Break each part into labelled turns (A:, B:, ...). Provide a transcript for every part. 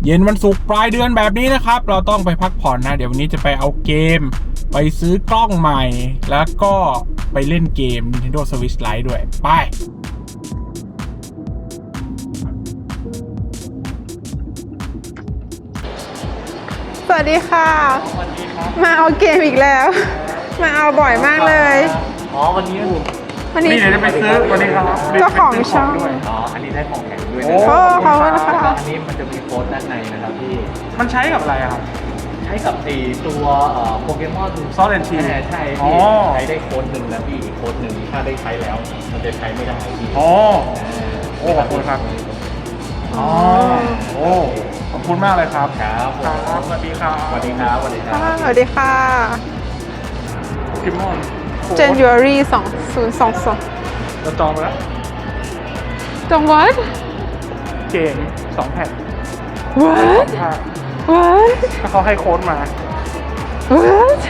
A: เย็นวันศุกร์ปลายเดือนแบบนี้นะครับเราต้องไปพักผ่อนนะเดี๋ยววันนี้จะไปเอาเกมไปซื้อกล้องใหม่แล้วก็ไปเล่นเกม Nintendo Switch Lite ด้วยไป
B: สวัสดีค่ะ
A: สวัสดีครับ
B: มาเอาเกมอีกแล้ว มาเอาบ่อยมากเลย
A: อ๋อวันนี้
B: นี่
A: เดี๋ยวจะไปซื้อวันนี้ครับ
B: เจ้าของช่อง
A: ด้วย
C: อ๋อ อันนี้ได้ของแถมด้วย
A: โอ้
C: นะค
B: โอ้
C: รับ
B: ขอบคุณค่ะ
C: อันนี้มันจะมีโค้ดด้านในนะครับพี่
A: มันใช้กับอะไรครับ
C: ใช้กับตัวโปเกมอน
A: Sword and Shield
C: ใช่
A: อ๋อ
C: พี่ใช้ได้โค้ดหนึ่งแล้วพี่อีกโค้ดหนึ่งถ้าได้ใช้แล้ว มันจะใช้ไม่ได้พี่
A: อ๋อโอ้ขอบคุณครับอ๋อโอ้ขอบคุณมากเลยครับ
C: ครับผม
A: ครับสวัสดีครับ
C: สวัสดีครับสวัสดีครั
B: ค่ะ
C: บ
B: สวัสดีค่ะ
A: โปเกมอน
B: January 2022
A: เราจองไปแล้ว
B: จังหวัด
A: เกม2แผ่น
B: What
A: ถ้า
B: What
A: ถ้าเขาให้โค้ดมา
B: What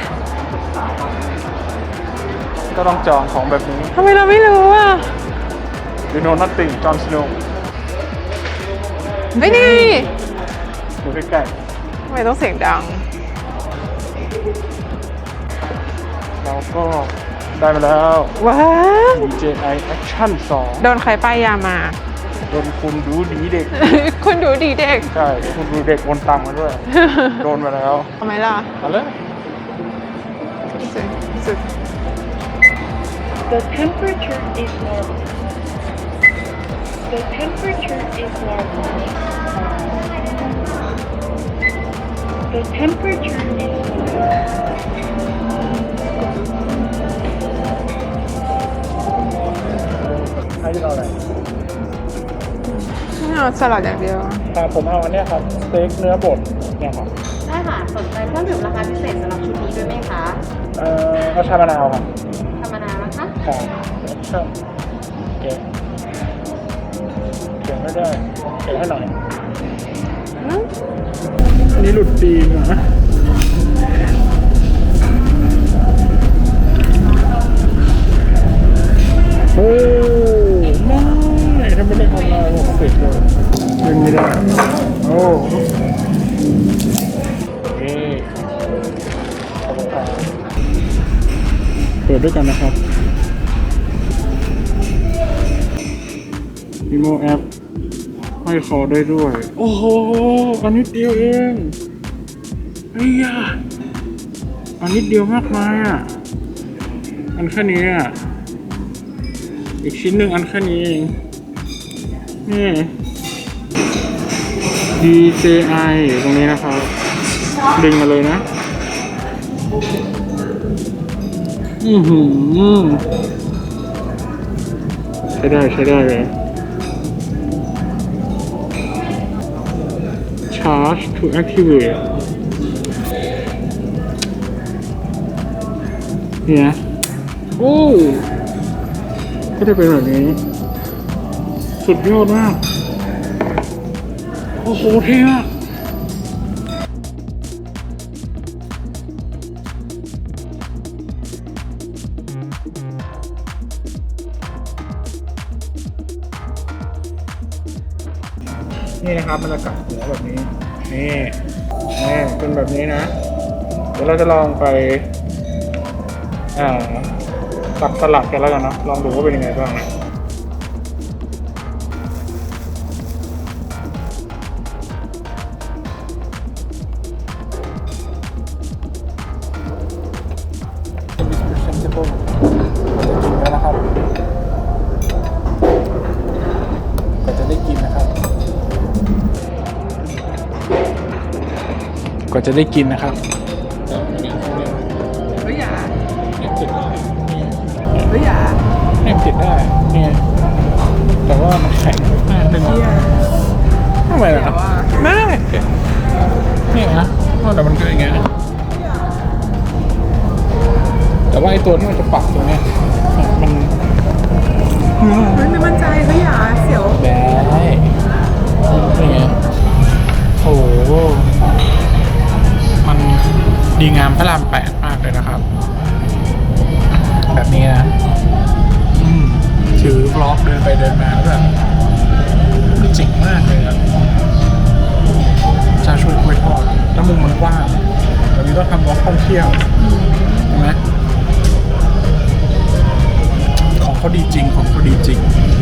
A: ก็ต้องจองของแบบนี้
B: ทำไมเราไม่รู้อ่ะ
A: You know nothing Jon Snow
B: ไม่นี่
A: อยู่ใกล้
B: ทำไมต้องเสียงดัง
A: ๆเราก็ได้มาแล้ว
B: What
A: DJI Action
B: โดนใครป้ายยามา
A: 2โดนคุณดูดีเด็ก
B: คุณดูดีเด็ก
A: ใช่ คุณดูเด็กโอนตังค์มาด้วย โดนมาแล้ว
B: ทำไมล่ะ
A: เอาเลย
B: สุด
D: The temperature is normal. The temperature is normal. The temperature is normal.
A: ให้เราอะไร
B: ไม่เอาสลัดอย่างเดียว
A: ผมเอาอันเนี้ยครับสเต็กเนื้อบดเนี่ยครับ
E: ได้ค่ะ สนใจเครื่องดื่มราคาพิเศษสำหรับชุดนี้ด้วยไหมคะ
A: เอาชามะนาวครับ
E: ธรรมดานะคะ
A: ครับชอบเก๋เก๋ไม่ได้เก๋ให้หน่อยอันนี้หลุดตีมอ่ะโอ้ไม่ถ้าไม่ได้ออนไลน์ผมปิดเลยยังไม่ได้โอ้เอ๊ะขอบคุณครับเปิดด้วยกันนะครับอีโมแอปให้คอได้ด้วยโอ้โหอันนิดเดียวเองไอ้ยาอันนิดเดียวมากมายอ่ะอันแค่นี้อ่ะอีกชิ้นหนึ่งอันแค่นี้เองนี่ DJI อยู่ตรงนี้นะครับดึงมาเลยนะใช้ได้เลย Charge to activate เนี่ยโอ้ก็จะเป็นแบบนี้สุดยอดมากโอ้โหเท่มากนี่นะครับมันจะกลับหัวแบบนี้นี่เป็นแบบนี้นะเดี๋ยวเราจะลองไปตักสลัดกันแล้วกันนะลองดูว่าเป็นยังไงบ้างนะแล้วนะครับก็จะได้กินนะครับก็จะได้กินนะครับเฮ้ยอย่าเนี่ยติดได้เฮ้ยอย่าเนี่ยติดได้เนี่ยแต่ว่ามันแข็งมากเลยทำไมล่ะไม่เนี่ยนะแต่มันก็อย่างเงี้ยแต่ว่าไอ้ตัวที่มันจะปักตรงเนี้ยมัน
B: ไม่มั่นใจเฮ้ยอย่าเสียว
A: ได้นี่ไงโอ้โหมันดีงามพระราม8มากเลยนะครับแบบนี้นะถือบล็อกเดินไปเดินมาแล้วแบบเจ๋งมากเลยครับเห็นไหมของเขาดีจริงของเขาดีจริง